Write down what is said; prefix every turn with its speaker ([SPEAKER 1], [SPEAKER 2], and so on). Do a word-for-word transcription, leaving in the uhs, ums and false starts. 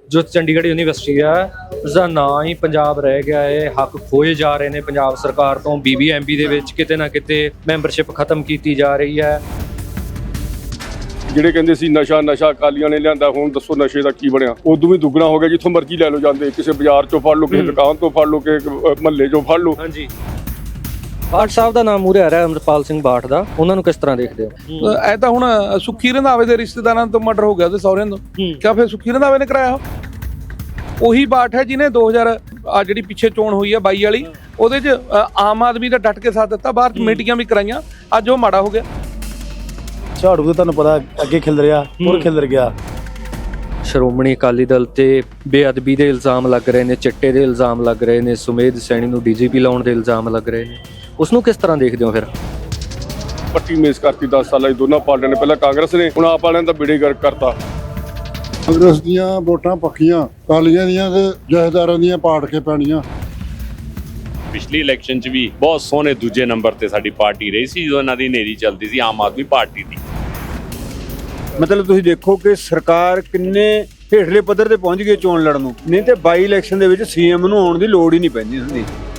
[SPEAKER 1] ਜੋ ਚੰਡੀਗੜ੍ਹ ਯੂਨੀਵਰਸਿਟੀ ਆ ਉਸਦਾ ਨਾਂ ਹੀ ਪੰਜਾਬ ਰਹਿ ਗਿਆ ਹੈ। ਹੱਕ ਖੋਏ ਜਾ ਰਹੇ ਨੇ ਪੰਜਾਬ ਸਰਕਾਰ ਤੋਂ। ਬੀਬੀਐਮਬੀ ਦੇ ਵਿੱਚ ਕਿਤੇ ਨਾ ਕਿਤੇ ਮੈਂਬਰਸ਼ਿਪ ਖਤਮ ਕੀਤੀ ਜਾ ਰਹੀ ਹੈ।
[SPEAKER 2] ਜਿਹੜੇ ਕਹਿੰਦੇ ਸੀ ਨਸ਼ਾ ਨਸ਼ਾ ਅਕਾਲੀਆਂ ਨੇ ਲਿਆਂਦਾ, ਹੁਣ ਦੱਸੋ ਨਸ਼ੇ ਦਾ ਕੀ ਬਣਿਆ? ਉਦੋਂ ਵੀ ਦੁੱਗਣਾ ਹੋ ਗਿਆ, ਜਿੱਥੋਂ ਮਰਜ਼ੀ ਲੈ ਲਓ ਜਾਂਦੇ, ਕਿਸੇ ਬਾਜ਼ਾਰ ਚੋਂ ਫੜ ਲਓ, ਕਿਸੇ ਦੁਕਾਨ ਤੋਂ ਫੜ ਲਓ, ਕਿਸੇ ਮਹੱਲੇ ਚੋਂ ਫੜ ਲਓ।
[SPEAKER 1] ਹਾਂਜੀ, ਬਾਠ ਸਾਹਿਬ ਦਾ ਨਾਮ ਮੂਹਰੇ ਆ ਰਿਹਾ, ਅੰਮ੍ਰਿਤਪਾਲ ਸਿੰਘ ਬਾਠ ਦਾ, ਉਹਨਾਂ ਨੂੰ ਕਿਸ ਤਰ੍ਹਾਂ ਦੇਖਦੇ ਹੋ?
[SPEAKER 3] ਐ ਤਾਂ ਹੁਣ ਸੁੱਖੀ ਰੰਧਾਵੇ ਦੇ ਰਿਸ਼ਤੇਦਾਰਾਂ ਤੋਂ ਮਰਡਰ ਹੋ ਗਿਆ ਉਹਦੇ ਸਹੁਰਿਆਂ ਤੋਂ, ਕਿਆ ਫਿਰ ਸੁੱਖੀ ਰੰਧਾਵੇ ਨੇ ਕਰਾਇਆ? ਉਹੀ ਬਾਠ ਹੈ ਜਿਹਨੇ ਦੋ ਹਜ਼ਾਰ ਆ ਜਿਹੜੀ ਪਿੱਛੇ ਚੋਣ ਹੋਈ ਆ ਬਾਈ ਵਾਲੀ, ਉਹਦੇ 'ਚ ਆਮ ਆਦਮੀ ਦਾ ਡਟ ਕੇ ਸਾਥ ਦਿੱਤਾ, ਬਾਹਰ ਕਮੇਟੀਆਂ ਵੀ ਕਰਾਈਆਂ, ਅੱਜ ਉਹ ਮਾੜਾ ਹੋ ਗਿਆ।
[SPEAKER 4] ਝਾੜੂ ਤਾਂ ਤੁਹਾਨੂੰ ਪਤਾ ਅੱਗੇ ਖਿਲ ਰਿਹਾ, ਹੋਰ ਖਿਲਰ ਗਿਆ।
[SPEAKER 1] ਸ਼੍ਰੋਮਣੀ ਅਕਾਲੀ ਦਲ ਤੇ ਬੇਅਦਬੀ ਦੇ ਇਲਜ਼ਾਮ ਲੱਗ ਰਹੇ ਨੇ, ਚਿੱਟੇ ਦੇ ਇਲਜ਼ਾਮ ਲੱਗ ਰਹੇ ਨੇ, ਸੁਮੇਧ ਸੈਣੀ ਨੂੰ ਡੀਜੀਪੀ ਲਾਉਣ ਦੇ ਇਲਜ਼ਾਮ ਲੱਗ ਰਹੇ ਨੇ, ਉਸ ਨੂੰ ਕਿਸ ਤਰ੍ਹਾਂ ਦੇਖਦੇ ਹੋ ਫਿਰ?
[SPEAKER 2] ਪੱਟੀ ਮੇਜ਼ ਕਰਤੀ ਦਸ ਸਾਲਾਂ 'ਚ ਦੋਨਾਂ ਪਾਰਟੀਆਂ ਨੇ, ਪਹਿਲਾਂ ਕਾਂਗਰਸ ਨੇ, ਹੁਣ ਆਪ ਵਾਲਿਆਂ ਦਾ ਬੇੜੇ ਗਰਕ ਕਰਤਾ।
[SPEAKER 5] ਕਾਂਗਰਸ ਦੀਆਂ ਵੋਟਾਂ ਪੱਕੀਆਂ, ਅਕਾਲੀਆਂ ਦੀਆਂ ਤੇ ਜਥੇਦਾਰਾਂ ਦੀਆਂ ਪਾੜ ਕੇ ਪੈਣੀਆਂ।
[SPEAKER 6] ਪਿਛਲੀ ਇਲੈਕਸ਼ਨ 'ਚ ਵੀ ਬਹੁਤ ਸੋਹਣੇ ਦੂਜੇ ਨੰਬਰ ਤੇ ਸਾਡੀ ਪਾਰਟੀ ਰਹੀ ਸੀ, ਜਦੋਂ ਇਹਨਾਂ ਦੀ ਨੇਰੀ ਚੱਲਦੀ ਸੀ ਆਮ ਆਦਮੀ ਪਾਰਟੀ ਦੀ।
[SPEAKER 7] ਮਤਲਬ ਤੁਸੀਂ ਦੇਖੋ ਕਿ ਸਰਕਾਰ ਕਿੰਨੇ ਹੇਠਲੇ ਪੱਧਰ ਤੇ ਪਹੁੰਚ ਗਈ ਚੋਣ ਲੜਨ ਨੂੰ, ਨਹੀਂ ਤੇ ਬਾਈ ਇਲੈਕਸ਼ਨ ਦੇ ਵਿੱਚ ਸੀਐਮ ਨੂੰ ਆਉਣ ਦੀ ਲੋੜ ਹੀ ਨਹੀਂ ਪੈਂਦੀ ਹੁੰਦੀ।